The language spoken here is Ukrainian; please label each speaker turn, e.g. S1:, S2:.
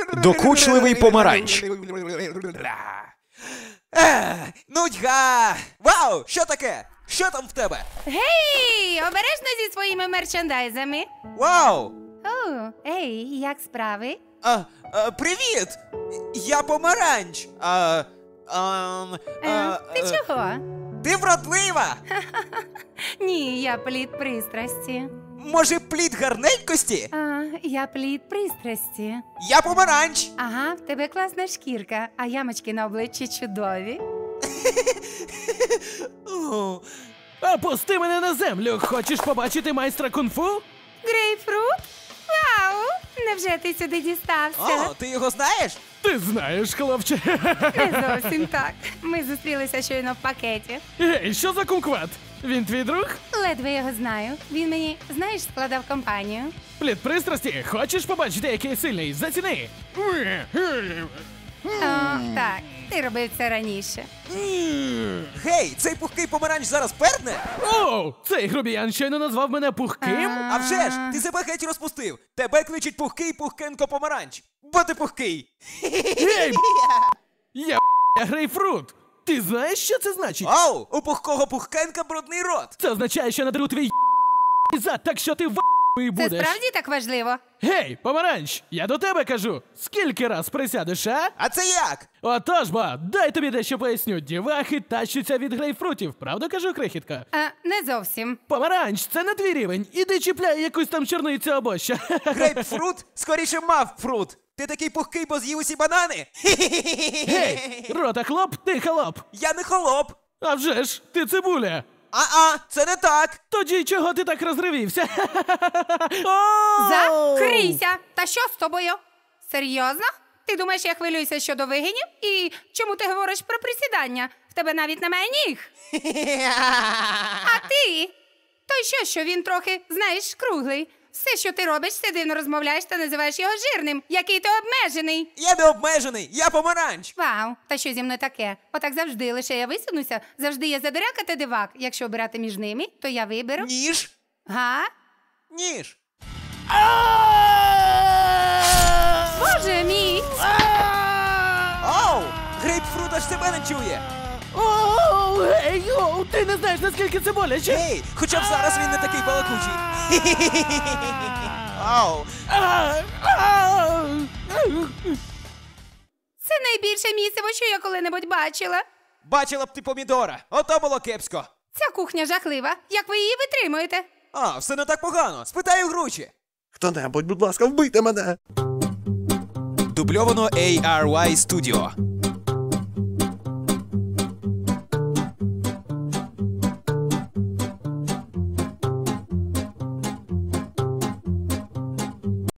S1: Докучливий помаранч.
S2: Нудьга! Вау, що таке? Що там в тебе?
S3: Гей, обережно зі своїми мерчендайзами.
S2: Вау!
S3: О, ей, як справи?
S2: Привіт! Я помаранч.
S3: Ти чого?
S2: Ти вродлива!
S3: Ні, я плід пристрасті.
S2: Може, плід гарненькості?
S3: Я плід пристрасті.
S2: Я помаранч!
S3: Ага, в тебе класна шкірка, а ямочки на обличчі чудові.
S4: Опусти мене на землю! Хочеш побачити майстра кунг-фу?
S3: Грейпфрут? Вау! Невже ти сюди дістався?
S2: О, ти його знаєш?
S4: Ти знаєш, хлопче.
S3: Не зовсім так. Ми зустрілися щойно в пакеті.
S4: Гей, що за кумкват? Він твій друг?
S3: Ледве його знаю. Він мені, знаєш, складав компанію.
S4: Плід пристрасті, хочеш побачити, який сильний? Заціни!
S3: Так, ти робив це раніше.
S2: Гей, цей пухкий помаранч зараз перне?
S4: Оу, цей грубіян щойно назвав мене пухким?
S2: А вже ж, ти себе геть розпустив. Тебе кличуть пухкий пухкенко помаранч. Бо ти пухкий.
S4: Гей, я грейпфрут. Ти знаєш, що це значить?
S2: Оу, у пухкого пухкенка брудний рот.
S4: Це означає, що надру твій зад, так що ти і
S3: Це
S4: будеш.
S3: справді так важливо?
S4: Гей, помаранч, я до тебе кажу. Скільки раз присядеш, а?
S2: А це як?
S4: Отож, бо, дай тобі дещо поясню. Дівахи тащаться від грейпфрутів, правда кажу, крихітка?
S3: Не зовсім.
S4: Помаранч, це не твій рівень. Іди чіпляй якусь там чорницю або що.
S2: Грейпфрут? Скоріше мавфрут. Ти такий пухкий, бо з'їв усі банани?
S4: Гей, рота хлоп, ти холоп.
S2: Я не холоп.
S4: А вже ж, ти цибуля.
S2: Це не так.
S4: Тоді чого ти так розривівся?
S3: Закрийся! Та що з тобою? Серйозно? Ти думаєш, я хвилююся щодо вигинів? І чому ти говориш про присідання? В тебе навіть немає ніг. А ти? То що він трохи, знаєш, круглий? Все, що ти робиш, ти дивно розмовляєш та називаєш його жирним. Який ти обмежений.
S2: Я не обмежений, я помаранч.
S3: Вау, та що зі мною таке? Отак завжди, лише я висунуся, завжди є задиряка та дивак. Якщо обирати між ними, то я виберу...
S2: Ніж?
S3: Га?
S2: Ніж.
S3: Боже мій!
S2: Оу, грейпфрут аж себе не чує.
S4: Оу, ей, оу, ти не знаєш, наскільки це боляче.
S2: Гей, хоча б зараз він не такий балакучий. Оу.
S3: Це найбільше місиво, що я коли-небудь бачила.
S2: Бачила б ти помідора, ото було кепсько.
S3: Ця кухня жахлива. Як ви її витримуєте?
S2: Все не так погано, спитаю Гручі.
S5: Хто-небудь, будь ласка, вбийте мене!
S2: Дубльовано ARY Studio.